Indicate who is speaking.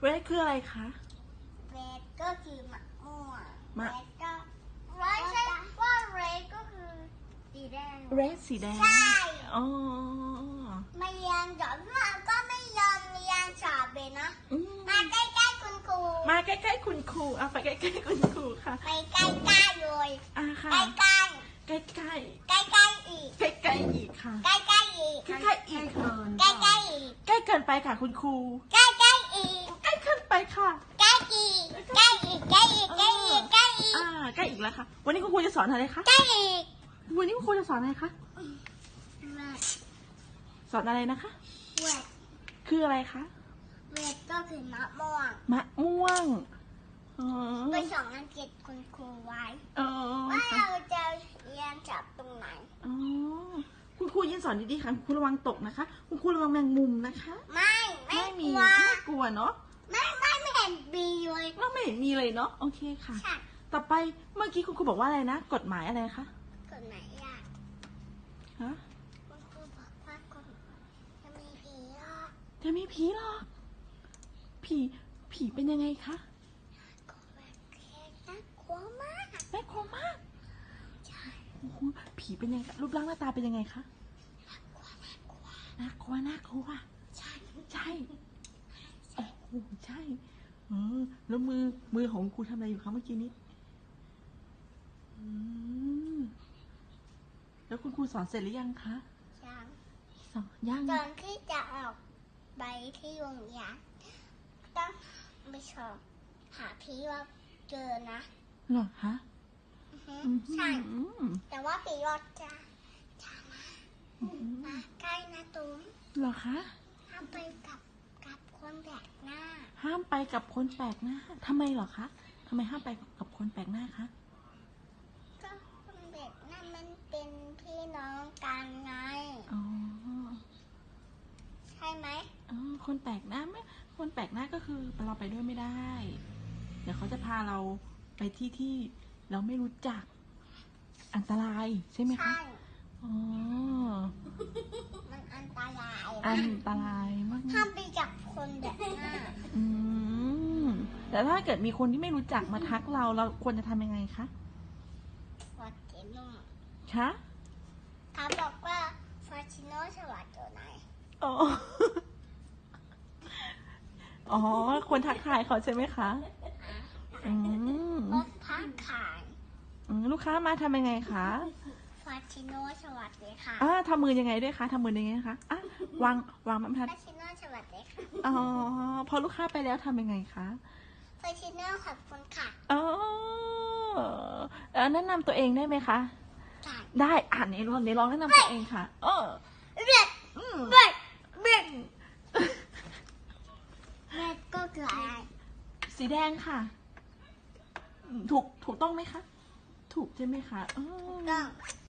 Speaker 1: red คืออะไรคะ
Speaker 2: red ก็คือมะม่วง
Speaker 1: red
Speaker 2: ก็ไม่ใช่ว่า red ก็คือสีแดง
Speaker 1: red สีแดง
Speaker 2: ใช่
Speaker 1: อ๋อ
Speaker 2: ไม่เรียนจบก็ไม่ยอมเรียนสอบเลยนะ
Speaker 1: อืม
Speaker 2: มาใกล้ๆคุณครู
Speaker 1: มาใกล้ๆคุณครูเอาไปใกล้ๆคุณครูค่ะ
Speaker 2: ไปใกล้ๆเลย
Speaker 1: ค่ะ
Speaker 2: ใกล้
Speaker 1: ใกล้
Speaker 2: ๆใกล้ๆอีก
Speaker 1: ๆใกล้ๆอีกค่ะ
Speaker 2: ใกล้ๆอีก
Speaker 1: ใกล้ๆอีกค่ะ
Speaker 2: ใกล้ๆอีก
Speaker 1: ใกล้เกินไปค่ะคุณครู
Speaker 2: ใกล้ๆอีก
Speaker 1: ใกล้เกินไปค่ะ
Speaker 2: ใกล้อีกใกล้อีกใกล้อีกใกล้อีกใกล้อีก
Speaker 1: ใกล้อีกแล้วค่ะ วันนี้คุณครูจะสอนอะไรคะ
Speaker 2: ใกล้อีก
Speaker 1: วันนี้คุณครูจะสอนอะไรคะ สอนอะไรนะคะ
Speaker 2: เวท
Speaker 1: คืออะไรคะ
Speaker 2: เวทก็คือมะม่วง
Speaker 1: มะม่วง อ๋อ
Speaker 2: ไปสอนอังกฤษคุณครูไว้
Speaker 1: อ๋อ
Speaker 2: ว่า
Speaker 1: ค่ะ
Speaker 2: เราจะเรียนจับตรงไหน
Speaker 1: อ๋อ คุณครูยินสอนดีๆค่ะคุณครูระวังตกนะคะ คุณครูระวังแมงมุมนะคะ
Speaker 2: ไม่
Speaker 1: มี
Speaker 2: กลัว
Speaker 1: ไม่กลัวเนาะ
Speaker 2: ไม่เห็นบีเลย
Speaker 1: เราไม่เห็นมีเลยเนาะ โอเคค่ะ
Speaker 2: ใช่
Speaker 1: ต่อไปเมื่อกี้คุณครูบอกว่าอะไรนะ กฎหมายอะไรคะ
Speaker 2: กฎหมายยาก
Speaker 1: ฮะ
Speaker 2: คุณครูบอกว่ากฎจะมีผีหรอก
Speaker 1: จะมีผีหรอกผีเป็นยังไงคะ
Speaker 2: กฎหมายแค่น่ากลัวมาก
Speaker 1: น่ากลัวมาก
Speaker 2: ใช่
Speaker 1: โอ้โหผีเป็นยังไงคะรูปร่างหน้าตาเป็นยังไงคะ น่ากลัว
Speaker 2: ใช่
Speaker 1: ใช่ โอ้โห ใช่แล้วมือของครูทำอะไรอยู่คะเมื่อกี้นี้แล้วคุณครูสอนเสร็จหรือยังคะ
Speaker 2: ยัง
Speaker 1: สอนยัง
Speaker 2: ตอนที่จะออกไปที่โรงเรียนต้องไปสอบหาพี่ว่าเจอนะ
Speaker 1: เหรอคะ
Speaker 2: อือฮึ
Speaker 1: อืม
Speaker 2: ใช่ แต่ว่าผีรอดจะมาใกล้นะตุ้ม
Speaker 1: เหรอคะ
Speaker 2: ห้ามไปกับคนแปลกหน้า
Speaker 1: ห้ามไปกับคนแปลกหน้าทำไมเหรอคะทำไมห้ามไปกับคนแปลกหน้าคะ
Speaker 2: ก็คนแปลกหน้ามันเป็นพี่น้องกันไง
Speaker 1: อ๋อ
Speaker 2: ใช่ไหม
Speaker 1: คนแปลกหน้าไม่คนแปลกหน้าก็คือเราไปด้วยไม่ได้ เดี๋ยวเขาจะพาเราไปที่เราไม่รู้จัก อันตรายใช่ไหมคะ
Speaker 2: ใช่
Speaker 1: อ๋อ
Speaker 2: มันอันตราย
Speaker 1: อันตรายมาก
Speaker 2: ห้ามไปกับคนแปลกหน้า
Speaker 1: แต่ถ้าเกิดมีคนที่ไม่รู้จักมาทักเราควรจะทำยังไงคะ
Speaker 2: ฟอร์ติโน่
Speaker 1: คะ
Speaker 2: เขาบอกว่าฟอร์ติโน่สวัสดิ์อยู่ไหน
Speaker 1: อ๋อ อ๋อควรทักทายเขาใช่ไหมคะ อืม
Speaker 2: รถพักขาย
Speaker 1: ลูกค้ามาทำยังไงคะ
Speaker 2: ฟอร์ติโน่สวัสดีค่ะ
Speaker 1: ทำมือยังไงด้วยคะทำมือยังไงคะวางบรรทัด
Speaker 2: ฟอร์ติโน่สวัสดีค่ะ
Speaker 1: อ๋อ พอลูกค้าไปแล้วทำยังไงคะ
Speaker 2: ฟอร์ติโน่ขอบคุณค่ะ
Speaker 1: อ๋อแนะนำตัวเองได้ไหมคะ
Speaker 2: ใช่
Speaker 1: ได้ในลองแนะนำตัวเองค่ะ
Speaker 2: เบ็ด
Speaker 1: อืม
Speaker 2: เบ็ดเบ็ดเบ็ดก็คืออะไร
Speaker 1: สีแดงค่ะ ถูกต้องไหมคะ ถูกใช่ไหมคะ
Speaker 2: ต้อง